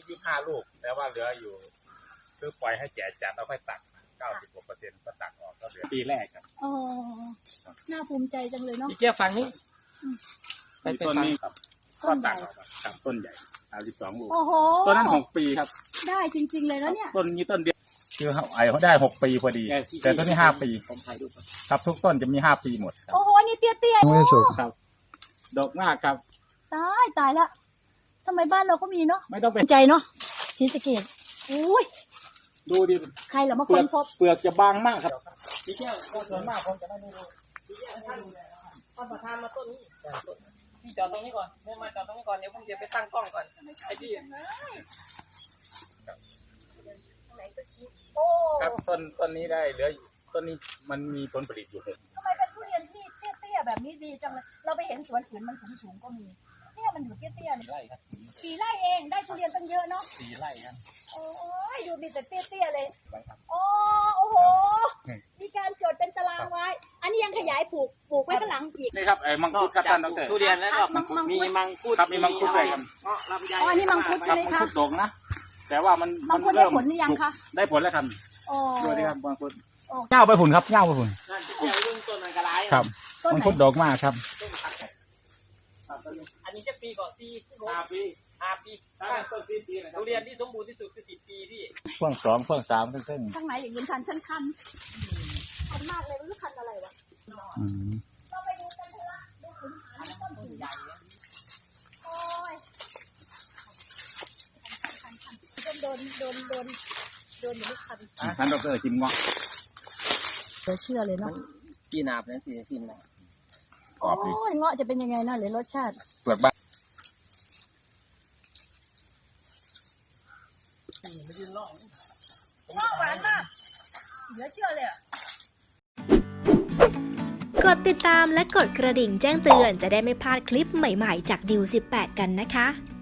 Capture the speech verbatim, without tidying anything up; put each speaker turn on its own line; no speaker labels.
นี้ยี่สิบห้าลูกแต่ว่าเหลืออยู่คือปล่อยให้แก่จัดแล้วค่อยตักเก้าสิบกว่าเปอร์เซ็นต์ก็ตักออกก็เหลือปีแรกครับ
อ๋อน่าภูมิใจจังเลยเนาะ
พี่เจ้าฟังนี้
ไปต้นนี้ครับก็ตักออกครับต้นใหญ่สามสิบสองลูก
โอ้โห
ต้นนั้นหกปีครับ
ได้จริงๆเลยแล้วเนี่ย
ต้นนี้ต้นเดียวคือไอ้เขาได้หกปีพอดีแต่ต้นนี้ห้าปีครับทุกต้นจะมีห้าปีหมด
โอ้โหนี่เตี้ยเตี้ย
ไม่สุก
ครับดกมากครับ
ตายตายละทำไมบ้านเราก็มีเนาะ
ไม่ต้องเป็น
ใจเนาะศรีสะเกษอุ้ย
ดูดิ
ใครเหรอมาค้นพบ
เปลือกจะบางมากครับพี่แก้วส่วนมากผมจะไม่ดู
พี่แก้วท่านท่านประธานมาต้นนี้พี่จอดตรงนี้ก่อนไม่มาจอดตรงนี้ก่อนเดี๋ยวผมจะไปตั้งกล้องก่อนไอ้พี่
ครับต้นต้นนี้ได้เหลือต้นนี้มันมีผลผลิตอยู่เลย
ทำไมเป็นทุเรียนที่เตี้ยๆแบบนี้ดีจังเลยเราไปเห็นสวนอื่นมันสูงๆก็มีเนี่ยมันอยู่เตี้ยๆนี่
ไร่ครับ
สี่ไร่เองได้ทุเรียนตั้งเยอะเนาะ
สี่ไร่ครับ
โอ้ยดูมีแต่เตี้ยๆเลยโอ้โอ้โหมีการจดเป็นตารางไว้อันนี้ยังขยายปลูกปลูกไว้ข้างหลังอีก
นี่ครับไอ้มังคุดครับท่านดร
ทุเรียนแล้วก็มีมังคุด
ครับมีมังคุดด้วยครับ
อ๋อนี่มังคุดใช่ไหมคะ
มังคุดดกนะแต่ว่ามัน
มังคุดได้ผลหรือยังคะ
ได้ผลแล้วครับ
โอ้
ดูดิครับมังคุดเง่าไปผุนครับเง่าไปผุนครับมังคุดดกมากครับ
อันนี้จะปีก่อนปี
ห้าปี
ห้าปี
ต้นปีปีนะ
ทุเรียนที่สมบูรณ์ที่สุดคือสิบปีพี่
ช่วงสองช่วงสามครึ่ง
ข้างไหนอย่างยืนคันชั้นคันคันมากเลยไม่รู้คันอะไรวะเราไปดูกันเถอะดูขุนหาต้นใหญ่โอ้ยโดนโดนโดนโดนอยู่ทุกคัน
ท่านดรจิมเงาะ
เดี๋ยวเชื่อเลยเนาะ
พี่นาบนะสิพี่นา
โอ้ยเงาะจะเป็นยังไงน่ะหรือรสชาติ
เปลือกบ้าง
เงาะหวานมากเดี๋ยวเชื่อเลย
กดติดตามและกดกระดิ่งแจ้งเตือนจะได้ไม่พลาดคลิปใหม่ๆจากดิวสิบแปดกันนะคะ